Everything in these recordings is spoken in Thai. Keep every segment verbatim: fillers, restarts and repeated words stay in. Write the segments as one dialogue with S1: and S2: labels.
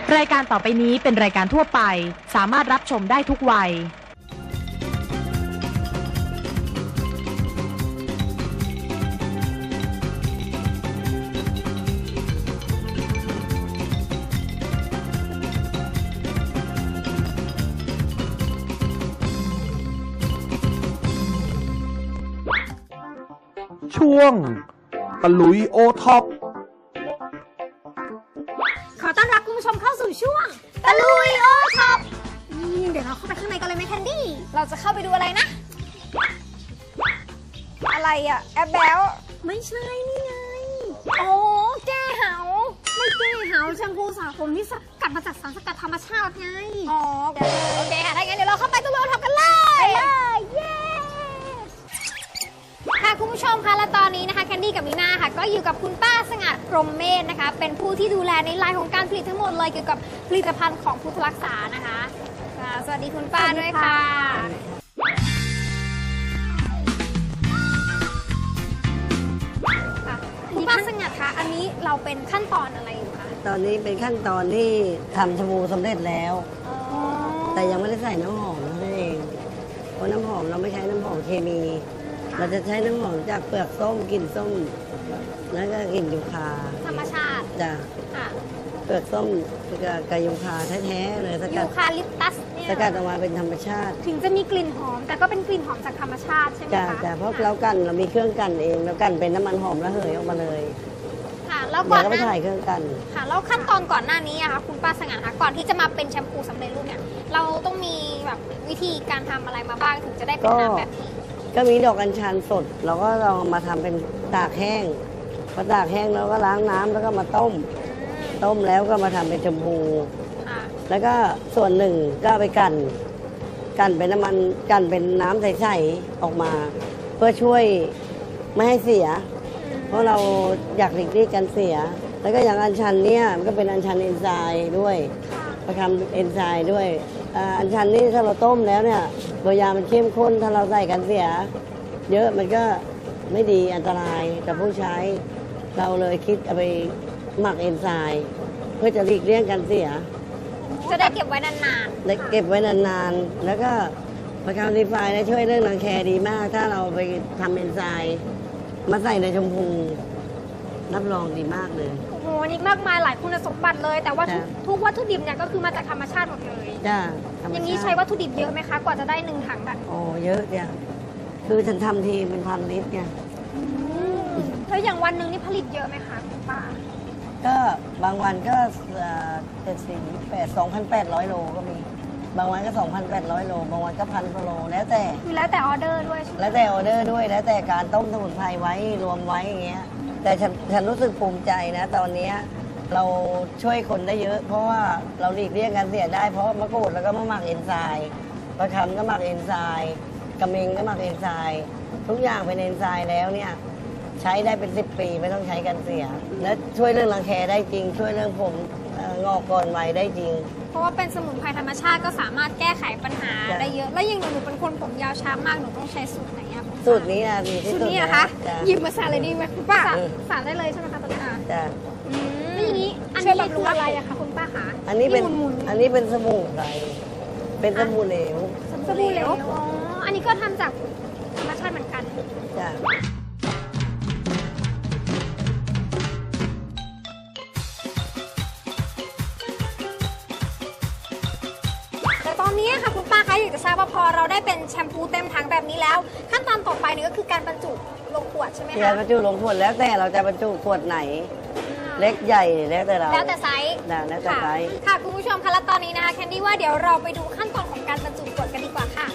S1: รายการต่อไปนี้เป็นรายการทั่วไปสามารถรับชมได้ทุกวัย
S2: ช่วงตะลุยโอท็อป
S3: ขอต้อนรับคุณผู้ชมเข้าสู่ช่วงตะลุยโอท็อปนี่เดี๋ยวเราเข้าไปข้างในกันเลยไหมแคนดี้เราจะเข้าไปดูอะไรนะ อะไรอะแอบแบลไม่ใช่นี่ไงโอ้แก้เหาไม่แก้เหาแชมพูสระผมที่สกัดมาจากสารสกัดธรรมชาติไงอ๋อโอเคค่ะถ้างั้นเดี๋ยวเราเข้าไปตะลุยโอท็อปกันเลยไปเลยเย้ค่ะคุณผู้ชมคะและตอนนี้นะคะแคนดี้กับมีนาค่ะก็อยู่กับคุณป้าสงัดพรหมเมธนะคะเป็นผู้ที่ดูแลในไลน์ของการผลิตทั้งหมดเลยเกี่ยวกับผลิตภัณฑ์ของพุทธรักษานะคะสวัสดีคุณป้าด้วยค่ะคุณป้าสงัดคะอันนี้เราเป็นขั้นตอนอะไรอยู่คะ
S4: ตอนนี้เป็นขั้นตอนที่ทำชาบูสำเร็จแล้วแต่ยังไม่ได้ใส่น้ำหอมนั่นเองเพราะน้ำหอมเราไม่ใช้น้ำหอมเคมีเราจะใช้น้ำหอมจากเปลือกส้มกลิ่นส้มแล้วก็กลิ่นยูคา
S3: ธรรมชาติ
S4: จ้ะเปลือกส้มกับยูคาแท้ๆเลยสกัด
S3: ยูคาลิปตัสเนี่ย
S4: สกัดออกมาเป็นธรรมชาติ
S3: ถึงจะมีกลิ่นหอมแต่ก็เป็นกลิ่นหอมจากธรรมชาติใช่ไหมคะ
S4: จ้ะจ้ะเพราะเรากันเรามีเครื่องกันเองเรากันเป็นน้ำมันหอมระเหยออกมาเลย
S3: ค่ะแล้วก่อน
S4: ก็ไปถ่ายเครื่องกัน
S3: ค่ะแล้วขั้นตอนก่อนหน้านี้อะคะคุณป้าสง่าคะก่อนที่จะมาเป็นแชมพูสำเร็จรูปเนี่ยเราต้องมีแบบวิธีการทำอะไรมาบ้างถึงจะได้เป็นน้ำแบบนี้
S4: ก็มีดอกอัญชันสดเราก็ลองมาทำเป็นตากแห้งพอตากแห้งเราก็ล้างน้ำแล้วก็มาต้มต้มแล้วก็มาทำเป็นชมพูแล้วก็ส่วนหนึ่งก็ไปกันกันเป็นน้ำมันกันเป็นน้ำใสๆออกมา เพื่อช่วยไม่ให้เสียเพราะเราอยากหลีกเลี่ยงการเสียแล้วก็อย่างอัญชันเนี่ยมันก็เป็นอัญชันเอนไซม์ด้วยประทำเอนไซม์ด้วยอัญชันนี่ถ้าเราต้มแล้วเนี่ยตัวยามันเข้มข้นถ้าเราใส่กันเสียเยอะมันก็ไม่ดีอันตรายกับผู้ใช้เราเลยคิดเอาไปหมักเอนไซม์เพื่อจะหลีกเลี่ยงการเสีย
S3: จะได้เก็บไว้นาน
S4: ๆได้เก็บไว้นานๆแล้วก็ประคำดีไฟได้ช่วยเรื่องรังแคดีมากถ้าเราไปทำเอนไซม์มาใส่ในชมพูรับรองดีมากเลย
S3: โอ้โหนี่มากมายหลายคุณสมบัติเลยแต่ว่าทุกวัตถุดิบเนี่ยก็คือมาจากธรรมชาติหมดเลย
S4: จ้า
S3: อย่างนี้ใช้วัตถุดิบเยอะไหมคะกว่าจะได้หนึ่งถังแบบ
S4: โอ้เยอะจ้ะคือฉันทำทีเป็นพันลิตรไง
S3: แล้วอย่างวันหนึ่งนี่ผลิตเยอะไหมคะคุณป้า
S4: ก็บางวันก็เจ็ดสิบแปดสองพันแปดร้อยโลก็มีบางวันก็สองพันแปดร้อยโลบางวันก็พันโลแล้วแต่
S3: มีแล้วแต่ออเดอร์ด้วย
S4: แล้วแต่ออเดอร์ด้วยแล้วแต่การต้มสมุนไพรไว้รวมไว้อย่างเงี้ยแต่ฉันฉันรู้สึกภูมิใจนะตอนนี้เราช่วยคนได้เยอะเพราะว่าเราหลีกเลี่ยงการเสียได้เพราะมะกรูดแล้วก็มะหมักเอนไซม์ประคำก็หมักเอนไซม์กระเมงก็หมักเอนไซม์ทุกอย่างเป็นเอนไซม์แล้วเนี่ยใช้ได้เป็นสิบปีไม่ต้องใช้กันเสียและช่วยเรื่องรังแคได้จริงช่วยเรื่องผมงอกก่อนวัยได้จริง
S3: เพราะว่าเป็นสมุนไพรธรรมชาติก็สามารถแก้ไขปัญหาได้เยอะแล้วอย่างหนูเป็นคนผมยาวช้ามากหนูต้องใช้สูตรไหนอะ
S4: สูตรนี้อะดีที่สุด
S3: สูตรนี้นะคะหยิบมาสาเลยดีไหมคุณป้าสาได้เลยใช่ไหมคะตอนนี้
S4: จ้ะ
S3: แล้วอย่างนี้อันนี้คืออะไรอะคะคุณป้าคะ
S4: อันนี้เป็นอันนี้เป็นสบู่ไพรเป็นสบู่เหลว
S3: สบู่เหลวอ๋ออันนี้ก็ทำจากธรรมชาติเหมือนกัน
S4: จ้ะ
S3: ตอนนี้ค่ะคุณป้าคะอยากจะทราบว่าพอเราได้เป็นแชมพูเต็มถังแบบนี้แล้วขั้นตอนต่อไปนี่ก็คือการบรรจุลงขวดใช่ไหมคะ
S4: การบรรจุลงขวดแล้วแต่เราจะบรรจุขวดไหนเล็กใหญ่แล้วแต่เรา
S3: แล้วแต่ไซส์
S4: แล้วแต่ไซส์
S3: ค่ะคุณผู้ชมคะและตอนนี้นะคะแคนดี้ว่าเดี๋ยวเราไปดูขั้นตอนของการบรรจุขวดกันดีกว่าค่ะ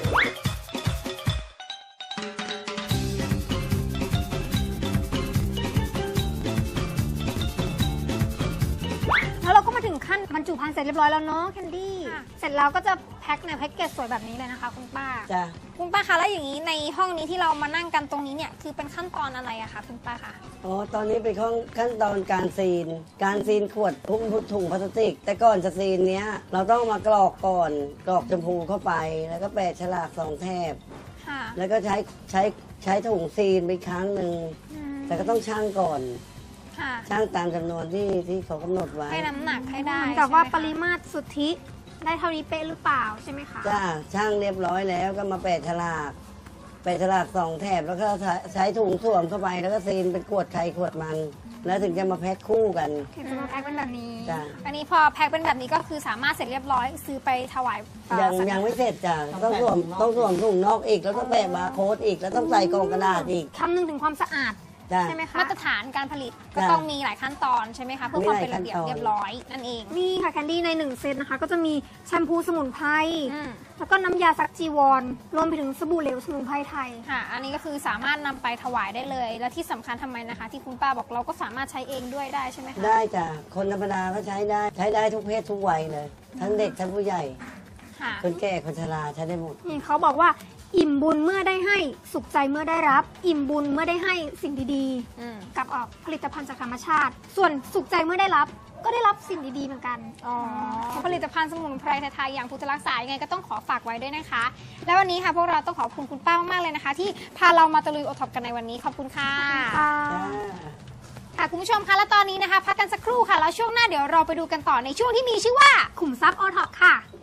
S3: แล้วเราก็มาถึงขั้นบรรจุภัณฑ์เสร็จเรียบร้อยแล้วเนาะแคนดี้เสร็จแล้วก็จะแพ็คในแพ็คเกจสวยแบบนี้เลยนะคะคุณป้า
S4: จ้ะ
S3: คุณป้าคะแล้วอย่างนี้ในห้องนี้ที่เรามานั่งกันตรงนี้เนี่ยคือเป็นขั้นตอนอะไรอะคะคุณป้าคะ
S4: อ๋อตอนนี้เป็นขั้นตอนการซีนการซีนขวดทุ่งถุงพลาสติกแต่ก่อนจะซีนเนี้ยเราต้องมากรอกก่อนกรอกชมพูเข้าไปแล้วก็แปะฉลากสองแถบแล้วก็ใช้ใช้ใช้ถุงซีนไปครั้งหนึ่งแต่ก็ต้องชั่งก่อน
S3: ค่ะ
S4: ช่างตามจำนวนที่ที่เขากำหนดไว้
S3: ให้น้ำหนักให้ได้
S5: เหมือนกับว่า
S3: ใช่ไหม
S5: ป
S3: คะ
S5: ริมาตรสุทธิได้เท่านี้เป๊ะหรือเปล่าใช่ไหมคะ
S4: จ้าช่างเรียบร้อยแล้วก็มาแปะฉลากแปะฉลากสองแถบแล้วก็ใช้ถุงสวมเข้าไปแล้วก็ซีนเป็นขวดไข่ขวดมัน แล้วถึงจะมาแพ็คคู่กัน
S5: ถึงจะมาแพ็คเป็นแบบนี้
S4: จ้ะ
S3: อันนี้พอแพ็คเป็นแบบนี้ก็คือสามารถเสร็จเรียบร้อยซื้อไปถวายเอ่อ
S4: ยัง
S3: สัก
S4: ยังไม่เสร็จจ้ะต้องสวมต้องสวมถุงนอกอีกแล้วต้องแปะบาร์โค้ดอีกแล้วต้องใส่กล่องกระดาษอีก
S5: คำนึงถึงความสะอาด
S4: จ้ะ
S5: ใช่ไหมคะ
S3: มาตรฐานการผลิตก็
S4: จ้ะ
S3: ต้องมีหลายขั้นตอนใช่ไหมคะเพื่อความเป็นระเบียบ
S4: มีหลายขั้นตอน
S3: เรียบร้อยนั่นเอง
S5: นี่ค่ะแคนดี้ในหนึ่งเซตนะคะ ก็จะมีแชมพูสมุนไพร
S3: อืม
S5: แล้วก็น้ำยาซักจีวร รวมไปถึงสบู่เหลวสมุนไพรไทย
S3: ค่ะ อันนี้ก็คือสามารถนำไปถวายได้เลย และที่สำคัญทำไมนะคะ ที่คุณป้าบอกเราก็สามารถใช้เองด้วยได้ใช่ไหมคะ
S4: ได้จ้ะคนธรรมดาก็ใช้ได้ใช้ได้ทุกเพศทุกวัยเลย ทั้งเด็กทั้งผู้ใหญ่
S3: ค่ะ
S4: คนแก่คนชราใช้ได้หมด
S5: นี่เขาบอกว่าอิ่มบุญเมื่อได้ให้สุขใจเมื่อได้รับ อิ่มบุญเมื่อได้ให้สิ่งดี
S3: อืม
S5: ๆ กับออกผลิตภัณฑ์จากธรรมชาติ ส่วนสุขใจเมื่อได้รับ ก็ได้รับสิ่งดีๆเหมือนกัน
S3: อ๋อผลิตภัณฑ์สมุนไพรไทยๆอย่างพุทธรักษายังไงก็ต้องขอฝากไว้ด้วยนะคะ แล้ววันนี้ค่ะพวกเราต้องขอบคุณคุณป้ามากๆเลยนะคะ ที่พาเรามาตะลุยโอท็อปกันในวันนี้ขอบคุณค่ะ
S5: ค่ะ
S4: จ้า
S3: ค่ะคุณผู้ชมคะและตอนนี้นะคะ พักกันสักครู่ค่ะแล้วช่วงหน้าเดี๋ยวเราไปดูกันต่อในช่วงที่มีชื่อว่า
S5: ขุมทรัพย์โอท็อปค่ะ